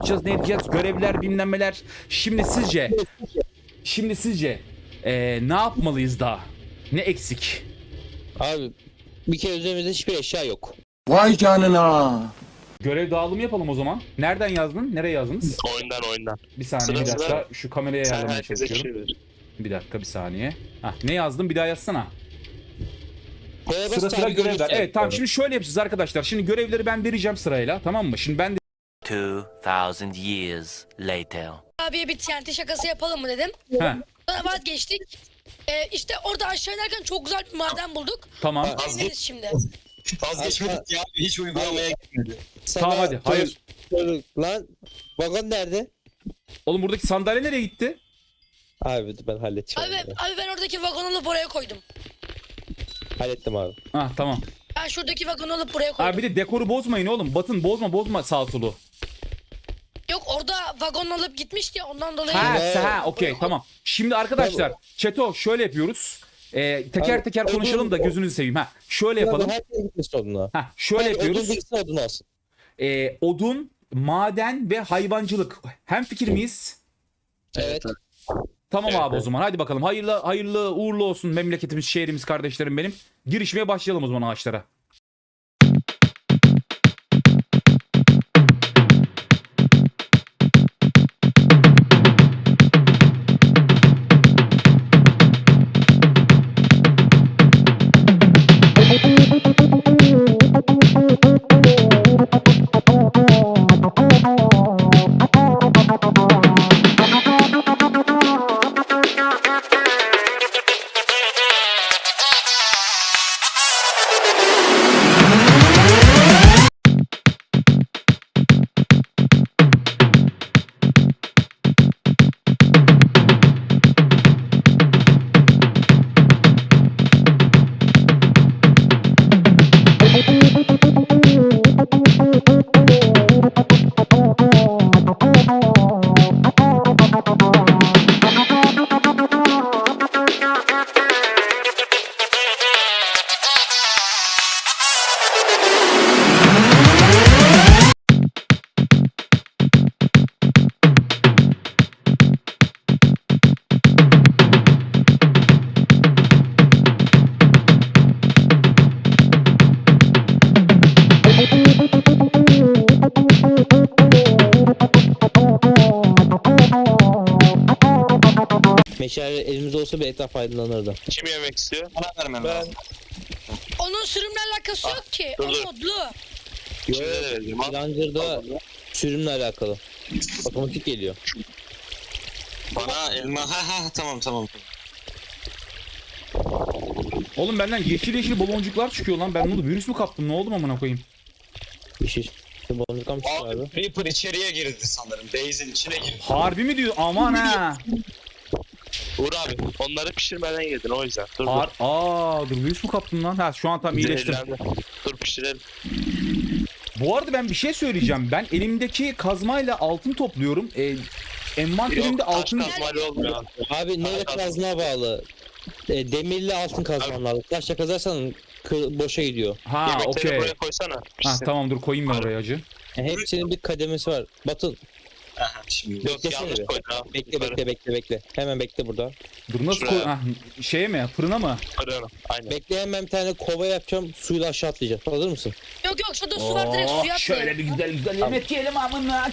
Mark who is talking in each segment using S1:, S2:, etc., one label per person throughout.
S1: yapacağız, ne edeceğiz, görevler, bilmemler. Şimdi sizce ne yapmalıyız daha? Ne eksik?
S2: Abi bir kere üzerimizde hiçbir eşya yok.
S3: Vay canına.
S1: Görev dağılımı yapalım o zaman. Nereden yazdın? Nereye yazdınız?
S4: Oyundan.
S1: Bir saniye, bir
S4: Sıra
S1: dakika. Şu kameraya
S4: Sen
S1: ayarlamaya
S4: herkese
S1: çalışıyorum.
S4: şey ver.
S1: Bir dakika, bir saniye. Hah, ne yazdım? Bir daha yazsana.
S2: Böyle
S1: Sıra
S2: basit
S1: sıra
S2: abi,
S1: görevler.
S2: görürsün.
S1: Evet, tamam, şimdi şöyle yapacağız arkadaşlar. Şimdi görevleri ben vereceğim sırayla, tamam mı? Şimdi ben de
S5: 2000 years later.
S6: Abiye bir TNT şakası yapalım mı dedim.
S1: Heh,
S6: Sonra vazgeçtik. İşte orada aşağı inerken çok güzel bir maden bulduk.
S1: tamam.
S6: Deneriz şimdi.
S4: Vazgeçmedik ya. Hiç uygulamaya gitmedi.
S2: Sana
S1: Tamam, hadi. Hayır.
S2: Lan vagon nerede?
S1: Oğlum, buradaki sandalye nereye gitti?
S2: Abi ben halledeceğim.
S6: Abi ben oradaki vagonu alıp buraya koydum.
S2: Hallettim abi.
S1: Ah, tamam.
S6: Ben şuradaki vagonu alıp buraya koydum.
S1: Abi bir de dekoru bozmayın oğlum. Batın, bozma sağ solu.
S6: Yok, orada vagon alıp gitmişti ya, ondan dolayı.
S1: Ha, okey, tamam. Şimdi arkadaşlar, Çeto şöyle yapıyoruz. Teker
S2: Abi,
S1: teker konuşalım da gözünüzü seveyim. Ha, şöyle yapalım.
S2: Herkes gitmişti oduna.
S1: Ha, şöyle yapıyoruz.
S2: Odun gitsin odunu alsın.
S1: Odun, maden ve hayvancılık. Hem fikir miyiz?
S2: Evet.
S1: Tamam
S4: Evet,
S1: abi, o zaman hadi bakalım. Hayırlı uğurlu olsun memleketimiz, şehrimiz, kardeşlerim benim. Girişmeye başlayalım o zaman ağaçlara.
S2: Meşale elimizde olsa bir etraf aydınlanırdı.
S4: Kim yemek istiyor? Bana vermem lazım.
S6: Onun sürümle alakası yok ki. O
S4: dur.
S6: modlu.
S4: Şimdi de vereceğim. Al.
S2: Villager'da sürümle alakalı. Otomatik geliyor.
S4: Bana elma. Ha tamam.
S1: Oğlum, benden yeşil baloncuklar çıkıyor lan. Ben bunu virüs mü kaptım? Ne oldu amına koyayım?
S2: İşte boncuktan mı çıktı abi?
S4: Abi Reaper içeriye girdi sanırım. Base'in içine girdi.
S1: Harbi mi diyor? Aman ha.
S4: Uğur abi onları pişirmeden yedin o yüzden. Dur.
S1: Dur, virüs mü kaptım lan? Ha, şu an tam iyileştim.
S4: Zehirlendi. Dur pişirelim.
S1: Bu arada ben bir şey söyleyeceğim. Ben elimdeki kazmayla altın topluyorum. Envanterimde altın...
S4: Taş kazmayla olmuyor abi.
S2: Abi neyle kazına bağlı? Demirli altın kazman lazım. Taşla kazarsan boşa gidiyor.
S1: Ha,
S4: Yemekleri
S1: okey.
S4: buraya koysana.
S1: Ha,
S4: Pişsin.
S1: tamam, dur koyayım ben oraya acı.
S2: Hepsinin bir kademesi var. Batın
S4: Aha, şimdi. Yok
S2: beklesene
S4: yanlış
S2: bir.
S4: koydun abi.
S2: Bekle. Hemen bekle burada.
S1: Dur, nasıl koy...
S4: Şuraya.
S1: Ha, şeye mi? Fırına mı?
S4: Fırına. Aynen.
S2: Bekle, hemen bir tane kova yapacağım. Suyla aşağı atlayacağız. Hazır mısın?
S6: Yok, şurada su var, direkt suya atlayalım.
S1: Şöyle bir güzel yemek yiyelim amına.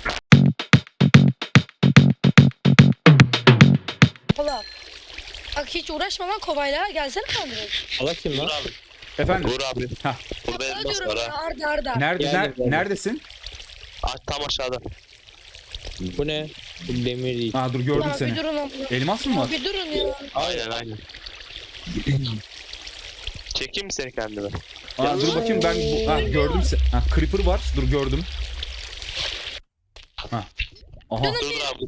S6: Polat. Bak hiç uğraşma lan kovayla. Gelsene lan direkt.
S2: Allah kim
S4: Uğur
S2: lan?
S4: abi.
S1: Efendim?
S4: Uğur abi.
S1: Hah.
S4: Burada
S6: Sana
S4: elmas
S6: diyorum
S4: var
S6: ya,
S4: ha.
S6: Arda.
S2: Geldim.
S1: Neredesin?
S4: Tam aşağıda.
S2: Bu ne? Bu demir değil.
S1: Ha, dur gördüm
S6: Ya bir
S1: seni.
S6: durun lan.
S1: Elmas mı var?
S6: Bir durun ya.
S4: Aynen. Çekeyim mi seni kendime?
S1: Dur bakayım ben... Ha, gördüm seni. Ha, creeper var. Dur, gördüm. Ha. Aha.
S4: Dur abi.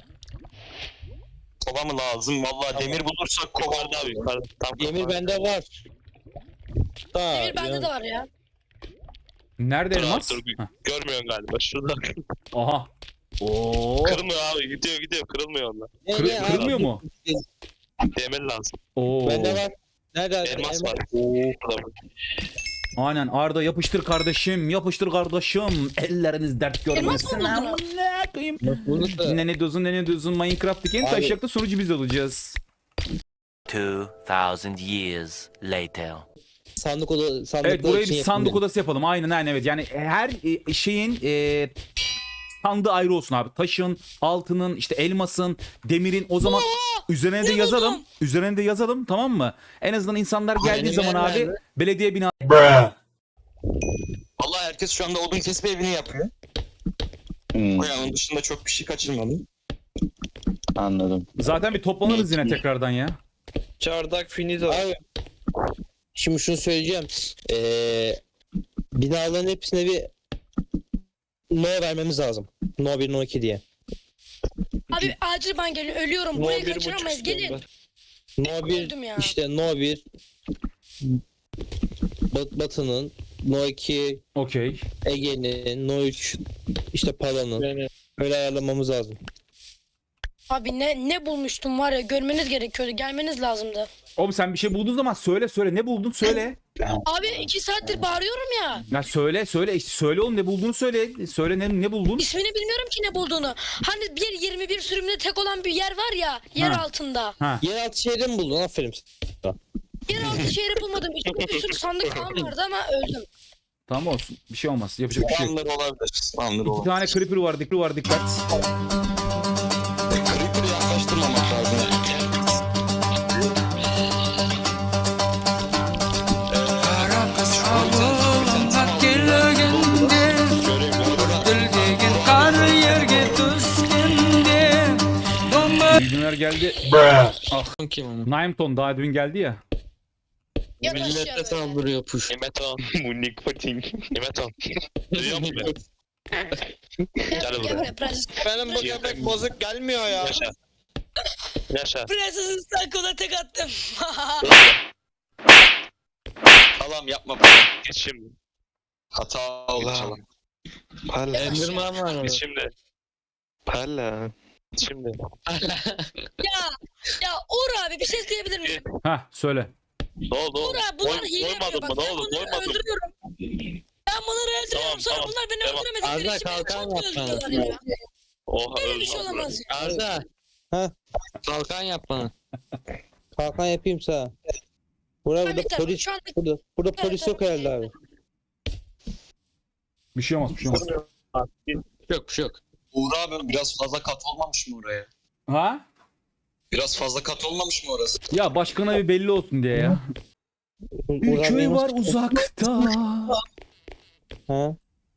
S4: Kova mı lazım? Vallahi demir bulursak kovarda abi. Yukarıda. Tam
S2: Demir
S4: kafa.
S2: bende var.
S6: Demir bende de var ya.
S1: Nerede
S4: Dur abi
S1: elmas?
S4: dur.
S1: Ha.
S4: Görmüyorsun galiba. Şurada.
S1: Aha. Oo.
S4: Kırılmıyor abi. Gidiyor. Kırılmıyor onlar.
S1: Kırılmıyor mu?
S4: Demir lazım.
S1: Oo.
S2: Bende var. Nerede?
S4: Elmas var. Burada.
S1: Aynen Arda yapıştır kardeşim, yapıştır kardeşim. Elleriniz dert görmesin.
S6: Elmas mı buldun?
S1: Ne koyayım?
S2: Bulduk da
S1: Ne diyorsun Minecraft'taki en
S2: Abi-
S1: taşacakta sonucu biz olacağız.
S5: 2,000 years later.
S2: sandıklar
S1: Evet burayı
S2: için
S1: bir sandık
S2: yapılıyor.
S1: odası yapalım. Aynen evet. Yani her şeyin sandığı ayrı olsun abi. Taşın, altının, işte elmasın, demirin o zaman üzerine de
S6: ne
S1: yazalım.
S6: buldum?
S1: Üzerine de yazalım tamam mı? En azından insanlar geldiği
S2: Benim
S1: zaman
S2: yer
S1: abi
S2: nerede?
S1: belediye bina
S7: Vallahi herkes şu anda odun kesme evini yapıyor.
S8: Hmm,
S7: Yani onun dışında çok bir şey kaçırmadım.
S8: anladım.
S1: zaten bir toplanırız yine tekrardan ya.
S4: Çardak finito.
S2: Abi, şimdi şunu söyleyeceğim. Binaların hepsine bir no vermemiz lazım. No 1, no 2 diye.
S6: Abi acil ben geliyorum. Ölüyorum.
S4: No
S6: Burayı
S4: 1,5
S6: kaçıramayız.
S4: istiyorum
S6: Gelin.
S4: ben.
S2: No 1
S6: Öldüm ya.
S2: işte no 1 Batı'nın, no 2
S1: Okey.
S2: Ege'nin, no 3 işte Pala'nın.
S4: Yani
S2: Öyle ayarlamamız lazım.
S6: Abi ne bulmuştum var ya, görmeniz gerekiyordu. Gelmeniz lazımdı.
S1: Oğlum sen bir şey bulduğun zaman söyle ne buldun söyle.
S6: Abi 2 saattir bağırıyorum ya.
S1: Ya söyle işte söyle oğlum ne bulduğunu söyle. Söyle ne buldun?
S6: İsmini bilmiyorum ki ne bulduğunu. Hani 21 sürümünde tek olan bir yer var ya, yer
S1: Ha.
S6: altında.
S1: Ha.
S2: Yeraltı şehri mi buldun? Aferin.
S6: Yer altı şehri bulmadım. İçinde bir sürü sandık falan vardı ama öldüm.
S1: Tamam olsun. Bir şey olmaz. Yapacak bir şey yok.
S7: Spamları olabilir. Spamları
S1: İki
S7: olabilir.
S1: tane creeper var dikkat.
S7: Creeper'ı yaklaştırmamak lazım.
S1: Bilgiler geldi.
S2: Kim
S1: Naimton daha dün geldi ya.
S6: Yat aşağı
S2: Millete
S6: böyle.
S2: saldırıyor push.
S4: Nimeton.
S7: Bu nikotin.
S4: Nimeton. Duyuyor musun beni? Gel
S6: Gel
S4: buraya.
S6: buraya prenses.
S7: Benim bu köpek bozuk gelmiyor ya.
S4: Yaşa. Yaşa.
S6: Prensesin sakona tek attım.
S7: Tamam yapma.
S4: Git şimdi.
S7: Hata oldu.
S4: Palla.
S2: Enderman var orada.
S4: Git şimdi. Palla. Git şimdi.
S6: Ya Uğur abi bir şey diyebilir miyim?
S1: Ha söyle.
S4: Ne oldu?
S6: Uğur abi bunlar hile yapıyor.
S4: Doymadın
S6: Bak
S4: mı? Ne
S6: ben
S4: oldu?
S6: bunları
S4: Doymadın mı?
S6: öldürüyorum. Ben bunları öldürüyorum,
S4: Tamam,
S6: sonra
S4: tamam.
S6: bunlar beni
S4: Devam.
S6: öldüremedikleri
S2: Arda,
S6: için beni
S2: kalkan
S6: çok
S2: yap bana.
S6: öldürüyorlar ya.
S4: Oha
S6: Böyle bir
S4: öldü
S6: şey
S4: lan
S6: olamaz ya.
S2: Arda. Kalkan yap bana. Kalkan yapayım sana. Burada
S6: Ben bir tane
S2: polis
S6: şu anda
S2: burada polis yok herhalde abi.
S1: Bir şey olmaz.
S2: Yok bir şey yok.
S7: Uğur abi biraz fazla kat olmamış mı oraya?
S1: Ha?
S7: Biraz fazla kat olmamış mı orası?
S1: Ya başkana bir belli olsun diye ya. Bir
S2: Uğur
S1: köy
S2: abi
S1: var
S2: nasıl-
S1: uzakta.
S2: Ha?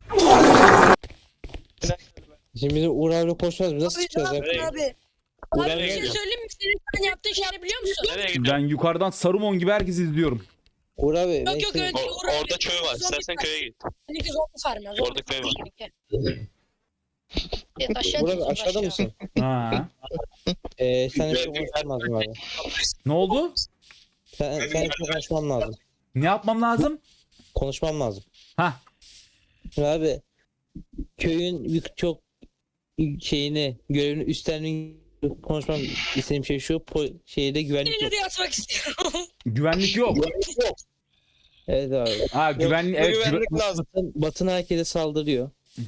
S2: Şimdi bizim Uğur abiyle konuşmaz. Biz nasıl
S6: Abi
S2: çıkacağız
S6: ne
S2: ya?
S6: yaptın abi?
S4: Nereye
S6: Abi bir şey
S4: gidiyorsun?
S6: söyleyeyim mi? Senin sen yaptığın şeyi biliyor musun?
S4: Nereye gidiyorsun?
S1: Ben yukarıdan Saruman gibi herkesi izliyorum.
S2: Uğur abi. ben
S6: Yok yok
S2: şimdi-
S6: öyle değil Uğur abi.
S4: Orada köy var.
S6: Zombi
S4: İstersen
S6: farm.
S4: köye git.
S6: Seninki zombi farmı. Zombi
S4: Orada köy var.
S6: farmı. Evet, aşağı
S2: Uğur abi
S6: gidiyoruz,
S2: aşağıda
S6: aşağı.
S2: mısın?
S1: Ha.
S2: Seninle çok konuşmam lazım abi.
S1: Ne oldu?
S2: Seninle çok konuşmam lazım.
S1: Ne yapmam lazım?
S2: Konuşmam lazım.
S1: Ha.
S2: Şimdi abi köyün çok şeyini görevini üstlenmeyi konuşmam istediğim şey şu şeyde güvenlik yok.
S6: Elini de yatmak istiyorum.
S1: Güvenlik yok.
S2: Evet abi.
S1: Ha güvenlik evet.
S7: lazım.
S2: Batın herkese saldırıyor.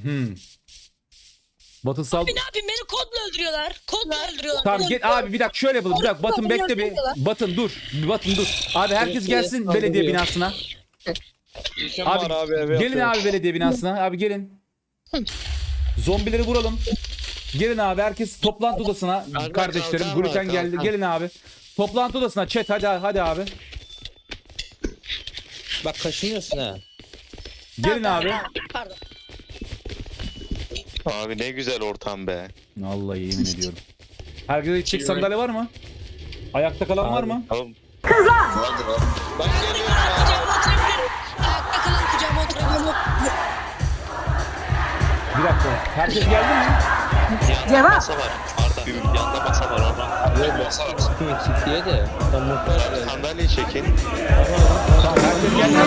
S1: Batısal.
S6: Ne yapayım, beni kodla öldürüyorlar. Kodla öldürüyorlar.
S1: Tamam git abi bir dakika şöyle yapalım. Bir dakika Batın bekle bir. Batın dur. Bir Batın dur. Abi herkes gelsin belediye binasına. Abi gelin abi belediye binasına. Abi gelin. Zombileri vuralım. Gelin abi herkes toplantı odasına.
S2: Arda,
S1: Kardeşlerim
S2: kalkan var,
S1: Gluten geldi.
S2: kalkan.
S1: Gelin abi. Toplantı odasına chat hadi abi.
S2: Bak kaşınıyorsun ha.
S1: Gelin abi.
S6: Pardon.
S8: Abi ne güzel ortam be.
S1: Vallahi yemin ediyorum. Herkese gidecek sandalye var mı? Ayakta kalan var mı?
S4: Oğlum
S7: Ben geliyorum
S6: Kucağıma oturabilirim. Ayakta kalan kucağıma oturabilirim.
S1: Bir dakika. Herkes geldi mi?
S4: yanında masa var. Arda. Yanında masa var orada.
S2: Kim eksik diye de. Ben muhtaç değilim.
S8: Sandalyeyi çekin.
S1: Tamam herkes geldi.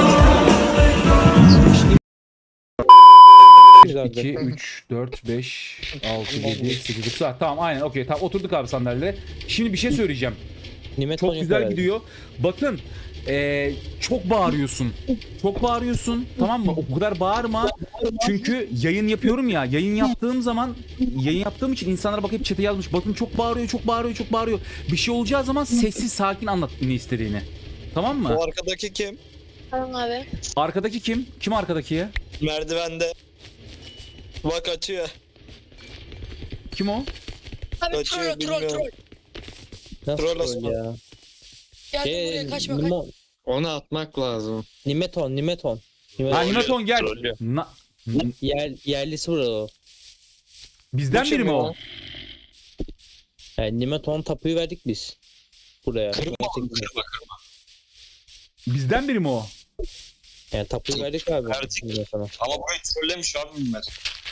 S2: Güzel
S1: 2, 3, 4, 5, 6, 7, 8, 9. Tamam aynen okey. Tamam oturduk abi sandalyelere. Şimdi bir şey söyleyeceğim.
S2: Nimet
S1: Çok
S2: Konya
S1: güzel
S2: herhalde.
S1: gidiyor. Bakın çok bağırıyorsun. Çok bağırıyorsun. Tamam mı? O kadar bağırma. Çünkü yayın yapıyorum ya. Yayın yaptığım için insanlara bakıp chat'e yazmış. Batın çok bağırıyor, çok bağırıyor, çok bağırıyor. Bir şey olacağı zaman sessiz sakin anlat ne istediğini. Tamam mı?
S9: O arkadaki kim?
S6: Tamam abi.
S1: Arkadaki kim? Kim arkadaki ya?
S9: Merdivende. Bak açıyor.
S1: Kim o?
S6: Abi
S9: Kaçıyor,
S6: troll troll
S9: bilmiyorum.
S6: troll.
S2: Nasıl
S9: Troll
S2: troll
S9: Osman.
S2: ya?
S6: Geldim buraya kaçma kaç.
S7: Onu atmak lazım.
S2: Nimeton.
S1: Ha Nimeton gel.
S8: Trollüyor.
S2: Yerlisi burada o.
S1: Bizden
S9: Bu
S1: biri
S9: kim
S1: mi
S9: ya?
S1: o?
S2: Yani Nimeton tapuyu verdik biz. Buraya.
S7: Kırma oğlum, kırma.
S1: Bizden biri mi o?
S2: Yani tapuyu verdik abi.
S7: Verdik.
S2: Nimeton'a.
S7: Ama burayı trollemiş abi bunlar.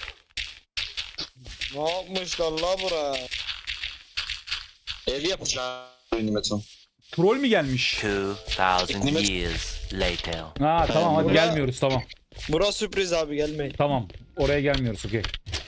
S9: Ne yapmışlar la bura?
S7: Ev yapacağım. Nimeton.
S1: Troll mü gelmiş?
S5: 2,000 years later.
S1: Ha tamam hadi
S9: Bura-
S1: gelmiyoruz tamam.
S9: Bura sürpriz abi gelmeyin.
S1: Tamam. Oraya gelmiyoruz okey.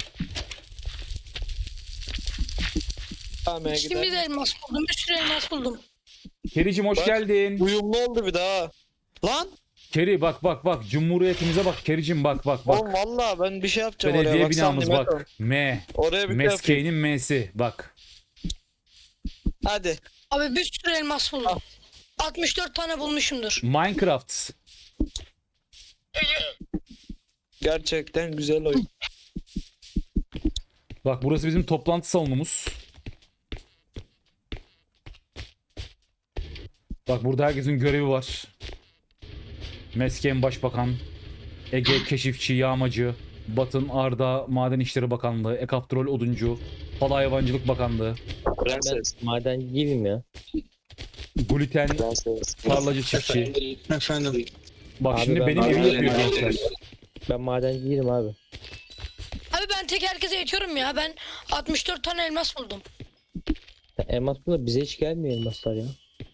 S9: Tamam
S6: Şimdi de
S9: gidelim.
S6: elmas buldum. Bir sürü elmas buldum.
S1: Kericim hoş
S9: Bak.
S1: geldin.
S9: Uyumlu oldu bir daha. Lan!
S1: Keri bak Cumhuriyetimize bak Kericim bak.
S9: Oğlum valla ben bir şey yapacağım
S1: Belediye
S9: oraya. Baksana
S1: binamız
S9: Nimeton.
S1: bak. M.
S9: Oraya bir şey yapayım.
S1: Meskeğinin M'si bak.
S9: Hadi.
S6: Abi bir sürü elmas buldum. 64 tane bulmuşumdur.
S1: Minecraft.
S9: Gerçekten güzel oyun.
S1: Bak burası bizim toplantı salonumuz. Bak burada herkesin görevi var. Mesken Başbakan, Ege Keşifçi, Yağmacı, Batın Arda Maden İşleri Bakanlığı, Ekaptrol Oduncu, Pala Hayvancılık Bakanlığı,
S8: Prenses.
S2: Maden değilim ya.
S1: Gluten,
S8: Prenses.
S1: Tarlacı Çiftçi.
S9: Efendim.
S1: Bak
S2: Abi
S1: şimdi
S2: ben
S1: benim
S2: maden
S1: evim yapıyor gençler.
S2: Ben maden değilim abi.
S6: Abi ben tek herkese yetiyorum ya. Ben 64 tane elmas buldum.
S2: Ya elmas burada bize hiç gelmiyor elmaslar ya.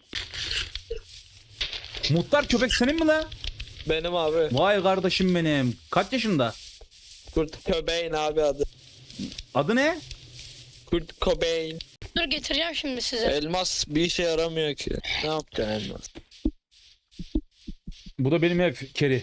S1: Muhtar köpek senin mi lan?
S9: Benim abi.
S1: Vay kardeşim benim. Kaç yaşında?
S9: Kurt Cobain abi adı.
S1: Adı ne?
S9: Kurt Cobain.
S6: Dur getireceğim şimdi size.
S9: Elmas bir işe yaramıyor ki. Ne yapacaksın elmas?
S1: Bu da benim ev Keri.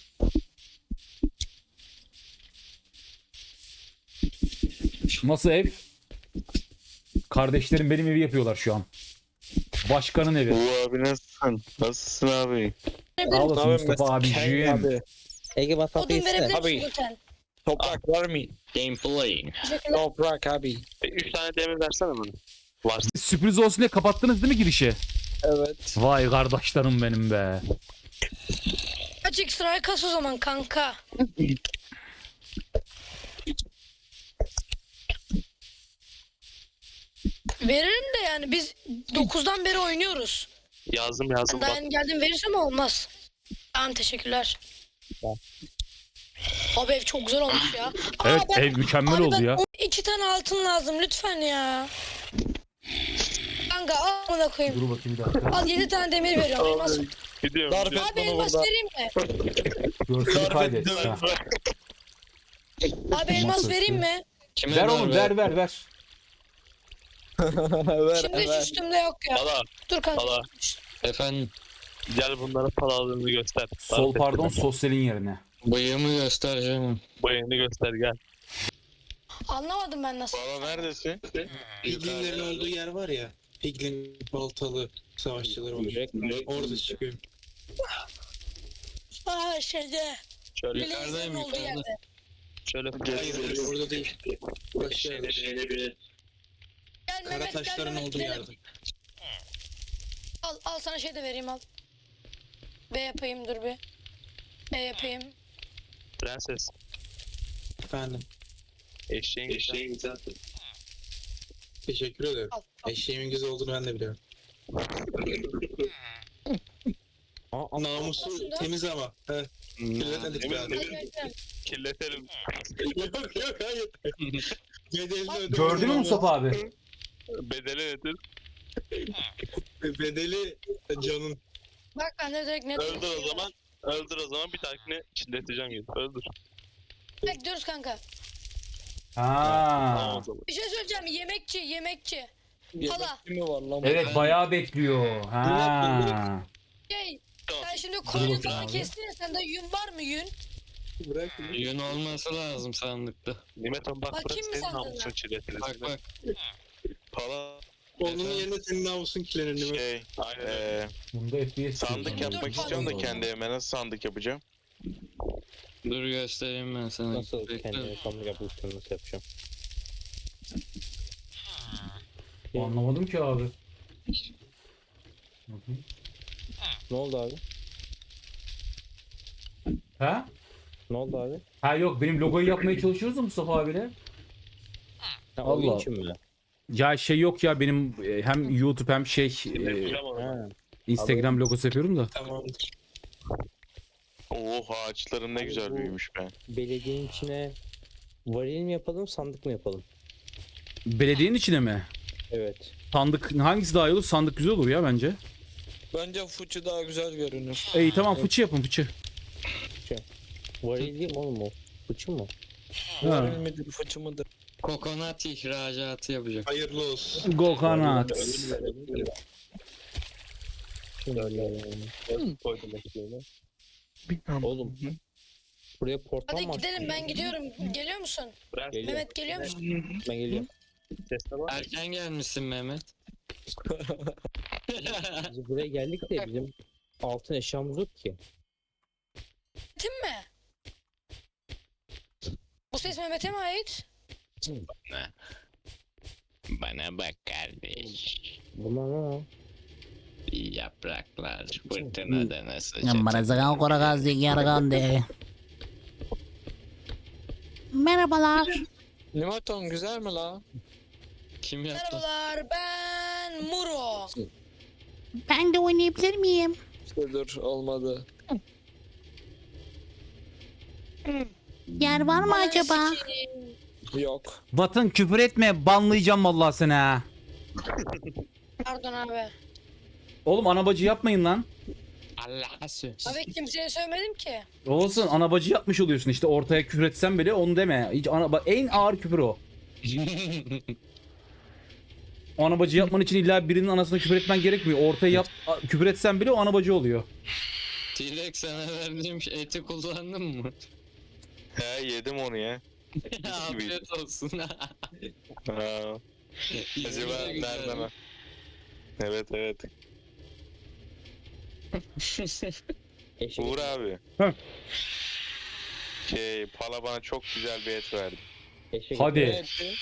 S1: Nasıl ev? Kardeşlerim benim evi yapıyorlar şu an. Başkanın evi.
S8: Bu abi nasılsın? Nasılsın abi?
S1: Sağ olasın Mustafa
S9: Abi.
S1: abiciğim.
S2: Ege bak tapu
S6: Odun
S2: iste.
S6: verebilir
S9: Abi.
S6: misin lütfen?
S9: Toprak var mı?
S4: Gameplay.
S6: Teşekkürler.
S9: Toprak abi.
S8: 3 tane demir versene bana. Var.
S1: Sürpriz olsun diye kapattınız değil mi girişi?
S9: Evet.
S1: Vay kardeşlerim benim be.
S6: Kaç ekstraya kas o zaman kanka. Veririm de yani biz 9'dan beri oynuyoruz.
S8: Yazdım
S6: Ben daha
S8: bak.
S6: yeni geldim verirsem olmaz. Tamam teşekkürler. Abi ev çok güzel olmuş ya.
S1: Evet
S6: ben-
S1: ev mükemmel oldu ya.
S6: 2 tane altın lazım lütfen ya. Kanka al bana koyayım.
S1: Dur bakayım bir dakika.
S6: Al 7 tane demir veriyorum. Elmas.
S8: Gidiyorum.
S9: Darp et
S6: Abi
S9: bunu
S6: elmas
S9: burada.
S6: vereyim mi?
S1: Görseli kaydet. Ha.
S6: Abi elmas
S1: Nasıl?
S6: vereyim mi?
S1: Ver oğlum ver.
S9: ver
S6: Şimdi hiç
S9: ver.
S6: üstümde yok ya.
S8: Pala.
S6: Dur kanka.
S8: Pala.
S7: Efendim
S8: Gel bunlara palalığını göster.
S1: Sol pardon sosyalin yerine.
S7: bıyığımı göstereceğim.
S8: Bayını göster gel.
S6: Anlamadım ben nasıl.
S8: Pala neredesin?
S10: Piglinlerin olduğu yer var ya. Piglin baltalı savaşçıları var. Orada çıkıyor.
S6: Aa şeyde.
S8: Şöyle
S6: Bileziklerin olduğu yerde.
S8: şöyle
S10: Hayır orada değil. Başka yerde.
S6: Gel
S10: Kara
S6: Mehmet gel
S10: taşların
S6: Mehmet
S10: olduğu
S6: gidelim.
S10: yerde.
S6: Al sana şey de vereyim al. B yapayım dur bir. E yapayım.
S8: Prenses.
S10: Efendim.
S8: Eşeğin güzel.
S10: Teşekkür ederim.
S6: Al.
S10: Eşeğimin güzel olduğunu ben de biliyorum. Namusu
S6: Şunda.
S10: temiz ama. Evet. Kirletmedik
S8: Emin-
S10: yani.
S8: emin- Kirletelim.
S10: Yok hayır. Bedelini ödemedim
S1: Gördün mü
S10: ama
S1: Mustafa abi?
S8: Bedeli nedir?
S10: Bedeli canın.
S6: Bak ben de direkt net.
S8: Öldür o zaman. Öldür o zaman bir dahakine çilleteceğim gibi. Öldür.
S6: Bekliyoruz kanka.
S8: Tamam
S1: Ha.
S8: o zaman.
S6: Bir şey söyleyeceğim. Yemekçi. Hala.
S9: Yemekçi mi var lan?
S1: Evet bayağı bekliyor. Ha.
S6: Şey,
S8: Tamam.
S6: sen şimdi
S1: bakayım
S6: koyunu falan
S1: abi.
S6: kestin ya, sende yün var mı yün?
S10: Bırak.
S7: Yün olması lazım sandıkta.
S8: Nimeton bak
S6: Bakayım
S8: burası
S6: mı
S8: senin
S6: sandığına?
S8: namusun çiğnetiriz.
S7: Bak bak.
S8: Pala
S10: Onun yerine senin namusun kirlenir mi?
S8: şey
S1: Bunda FPS
S8: sandık
S6: Dur,
S8: yapmak
S6: dur,
S8: istiyorum da
S6: pardon.
S8: kendi evime nasıl sandık yapacağım?
S7: Dur göstereyim ben sana.
S2: Nasıl
S7: Bekle.
S2: kendime sandık yapmıştım, nasıl yapacağım?
S1: Anlamadım ki abi.
S2: Ne oldu abi?
S1: Ha?
S2: Ne oldu abi?
S1: Ha yok, benim logoyu yapmaya çalışıyoruz da Mustafa abiyle.
S2: Ha,
S1: Allah.
S2: oyun için mi?
S1: Ya şey yok ya, benim hem YouTube hem
S2: Ha.
S1: Instagram logosu yapıyorum da.
S10: Tamamdır.
S8: Oh ağaçlarım ne güzel büyümüş be.
S2: Belediyenin içine varil mi yapalım, sandık mı yapalım?
S1: Belediyenin içine mi?
S2: Evet.
S1: Sandık hangisi daha iyi olur? Sandık güzel olur ya bence.
S9: Bence fıçı daha güzel görünür.
S1: İyi tamam, fıçı yapın, fıçı.
S2: Varil değil mi oğlum o? Fıçı mı?
S1: Ha.
S9: Varil midir fıçı mıdır?
S7: Kokonat ihracatı yapacak.
S10: Hayırlı olsun.
S1: Gokanat.
S2: Oğlum. Buraya portal
S6: Hadi
S2: mı
S6: gidelim,
S2: açtın?
S6: ben gidiyorum. Geliyor musun?
S2: Geliyorum.
S6: Mehmet geliyor musun?
S2: Ben geliyorum.
S7: Erken gelmişsin Mehmet.
S2: Biz buraya geldik de bizim altın eşyamız yok ki.
S6: Mehmet'in mi? Bu ses Mehmet'e mi ait?
S7: Bana bak kardeş.
S2: Bunlar ne?
S7: Yapraklar fırtınada nasıl
S11: Merhabalar.
S9: Nimeton güzel mi la?
S7: Kim yaptı?
S6: Merhabalar, ben Muro.
S11: Ben de oynayabilir miyim?
S9: İşte dur olmadı.
S11: Yer var mı acaba?
S9: Yok.
S1: Batın küfür etme, banlayacağım vallahi seni ha.
S6: Pardon abi.
S1: Oğlum anabacı yapmayın lan.
S7: Allah'a söz.
S6: Abi kimseye söylemedim ki.
S1: Olsun, anabacı yapmış oluyorsun işte, ortaya küfür etsen bile onu deme. Hiç bak, en ağır küfür o. Anabacı yapman için illa birinin anasına küfür etmen gerekmiyor. Ortaya küfür etsen bile o anabacı oluyor.
S7: Tilek sana verdiğim eti kullandın mı?
S8: He yedim onu ya.
S7: Afiyet olsun.
S8: Ha. Acaba nereden ha? Evet evet.
S2: Eşek.
S8: Uğur abi.
S1: Heh.
S8: Pala bana çok güzel bir et verdi.
S2: Eşek.
S1: Hadi.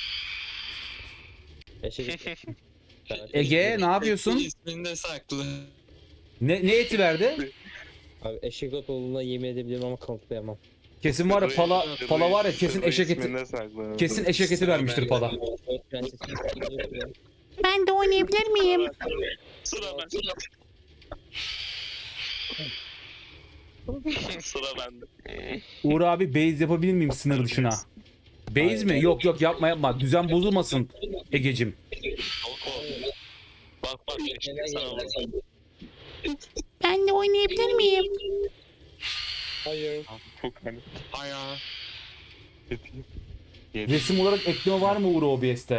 S2: Eşek.
S1: Ege ne yapıyorsun?
S7: İsminde saklı.
S1: Ne eti verdi?
S2: Abi eşek ot olduğuna yemin edebilirim ama kanıtlayamam.
S1: Kesin var ya, pala var ya, kesin eşek eti.
S8: İsminde saklı.
S1: Kesin eşek eti vermiştir pala.
S11: Ben de oynayabilir miyim?
S8: Sıra ben. Sıra bende.
S1: Uğur abi, base yapabilir miyim sınır dışına? Base mi? Yok yok, yapma yapma. Düzen bozulmasın Egecim.
S8: Bak bak işte sana bak.
S11: Ben de oynayabilir miyim?
S9: Hayır.
S7: Aya.
S1: Resim olarak ekleme var mı Uğur OBS'te?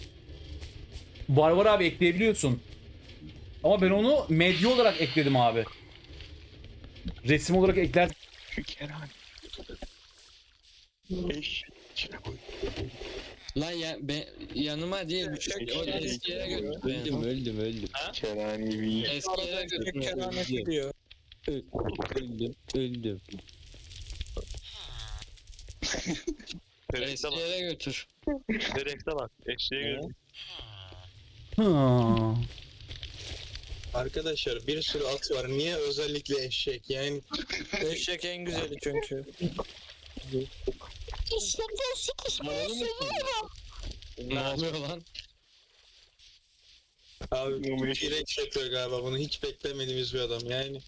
S1: Var abi, ekleyebiliyorsun. Ama ben onu medya olarak ekledim abi. Resim olarak ekler.
S7: Lan ya yanıma değil. O eski yere götür beni.
S2: Öldüm.
S8: Kerani bir.
S7: Eski yere götür.
S9: Kerhanesi diyor.
S2: Öldüm.
S8: Direkte
S7: Eski
S8: bak.
S7: yere götür.
S8: Direkte bak. Eşeğe göre.
S1: Ha.
S10: Arkadaşlar bir sürü at var. Niye özellikle eşek? Yani
S9: Eşek en güzeli çünkü.
S7: Ne oluyor lan?
S10: abi T-Rex yapıyor galiba bunu. Hiç beklemediğimiz bir adam yani.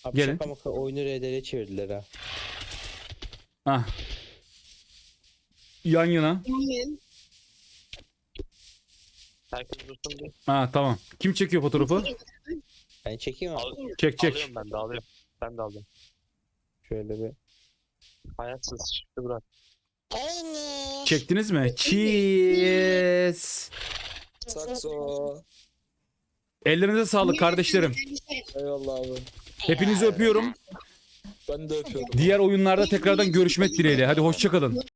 S2: Abi
S1: Gelin.
S2: şaka maka oyunu RDR'ye çevirdiler ha.
S1: Ah. Yan yana.
S8: Herkes dursun bir.
S1: Ha tamam. Kim çekiyor fotoğrafı?
S2: Ben çekeyim abi.
S1: Çek çek.
S8: Alıyorum ben de alıyorum. Ben de alıyorum.
S2: Şöyle bir.
S8: Hayatsız çıktı bırak.
S6: Aynı.
S1: Çektiniz mi? Cheers.
S9: Sakso.
S1: Ellerinize sağlık kardeşlerim.
S9: Eyvallah abi.
S1: Hepinizi öpüyorum.
S9: Ben de öpüyorum.
S1: Diğer oyunlarda tekrardan görüşmek dileğiyle. Hadi hoşça kalın.